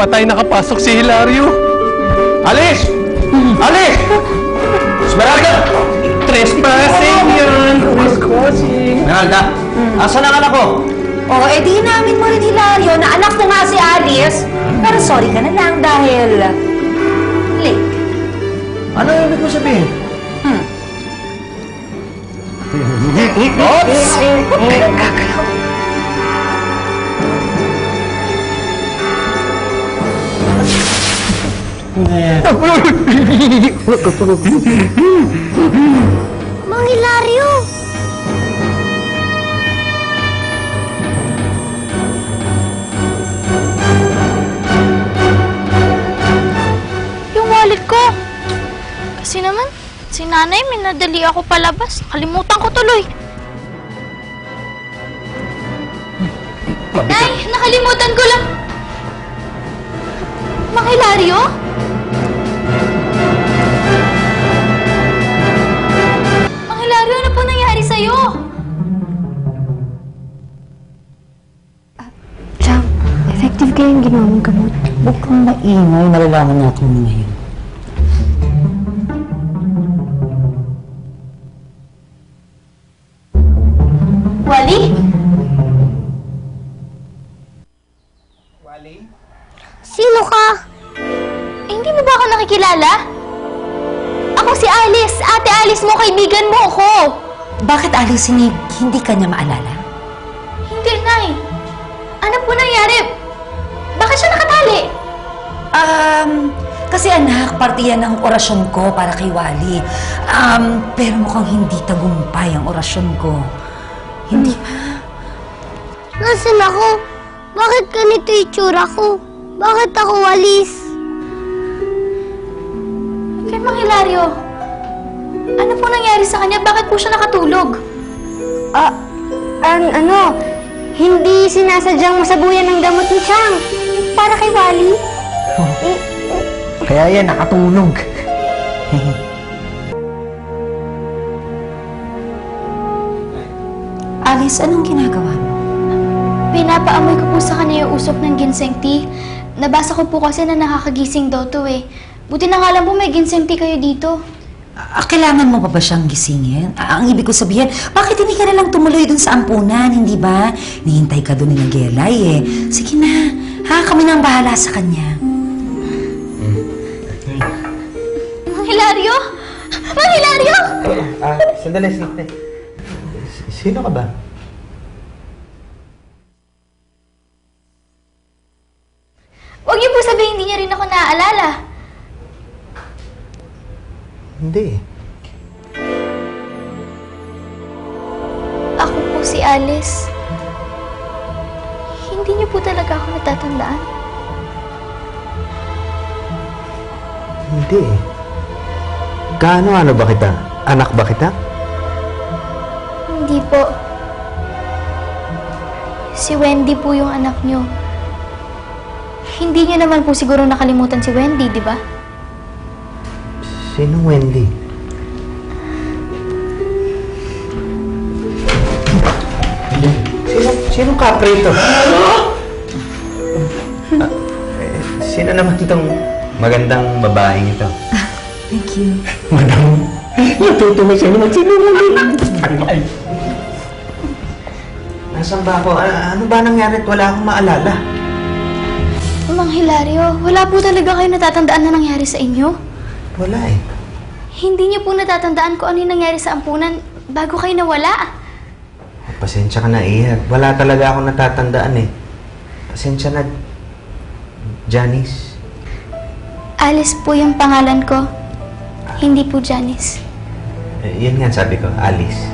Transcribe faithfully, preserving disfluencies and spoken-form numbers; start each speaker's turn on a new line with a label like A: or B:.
A: patay nakapasok si Hilario.
B: Alice! Alice! Esmeralda!
A: Trespassing yan! Trespassing!
B: Esmeralda, asan ang anak ko?
C: Oo, eh di namin mo rin, Hilario, na anak ko nga si Alice. Pero sorry ka na lang dahil... late.
B: Ano ibig mo sabihin?
C: Hmm.
B: Oops!
D: Mang Hilario!
E: Yung wallet ko. Kasi naman, si nanay minadali ako palabas. Kalimutan ko tuloy. Nay, nakalimutan ko lang. Mang Hilario? Mang Hilario, ano po nangyari sa'yo?
D: Jam, effective kaya yung ginawa mong gamot.
F: Huwag kang maingay, malalaman natin mo ngayon.
E: Wally?
D: Sino ka?
E: Eh, hindi mo ba ako nakikilala? Ako si Alice. Ate Alice mo, kaibigan mo ako.
C: Bakit, Alice, hindi, hindi ka niya maalala?
E: Hindi, Nay. Ano po nangyari? Bakit siya nakatali?
C: Um, kasi anak, parte yan ng orasyon ko para kay Wally. Um, pero mukhang hindi tagumpay ang orasyon ko. Hindi ba?
D: Nasaan ako? Bakit ganito yung tsura ko? Bakit ako walis?
E: Kay Mang Hilario, ano po nangyari sa kanya? Bakit po siya nakatulog?
D: Ah, ang ano, hindi sinasadyang masabuyan ng damot ni Chang. Para kay Wally. Eh,
F: Kaya yan, nakatulog.
C: Alice, anong ginagawa mo?
E: Pinapaamoy ko po sa kanya yung usok ng ginseng tea. Nabasa ko po kasi na nakakagising daw to eh. Buti na nga lang po may ginseng tea kayo dito.
C: Ah, kailangan mo pa ba siyang gisingin? Ah, ang ibig ko sabihin, bakit hindi ka na lang tumuloy dun sa ampunan, hindi ba? Nihintay ka dun ni Nagelay eh. Sige na, ha? Kami na ang bahala sa kanya.
E: Mang Hilario? Mang Hilario!
B: Ah, sandali, sandali. Sino ka ba?
E: Huwag niyo po sabihin hindi niya rin ako naaalala.
B: Hindi.
E: Ako po si Alice. Hindi niyo po talaga ako natatandaan.
B: Hindi. Kaano-ano ba kita? Anak ba kita?
E: Hindi po. Si Wendy po yung anak niyo. Hindi niyo naman po siguro nakalimutan si Wendy, di ba?
B: Sinong Wendy? Sino, sinong kapre ito? Ah, eh, sino naman itong magandang babaeng ito?
C: Thank you.
A: Madam, natutuwa siya naman sinungaling.
B: Nasaan ba ako? A- ano ba nangyari at wala akong maalala?
E: Mang Hilario, wala po talaga kayo natatandaan na nangyari sa inyo?
B: Wala eh.
E: Hindi niyo po natatandaan kung ano yung nangyari sa ampunan bago kayo nawala.
B: Pasensya ka na, Iha. Wala talaga akong natatandaan eh. Pasensya na, Janice.
E: Alice po yung pangalan ko. Hindi po Janice.
B: Eh, yun nga sabi ko, Alice.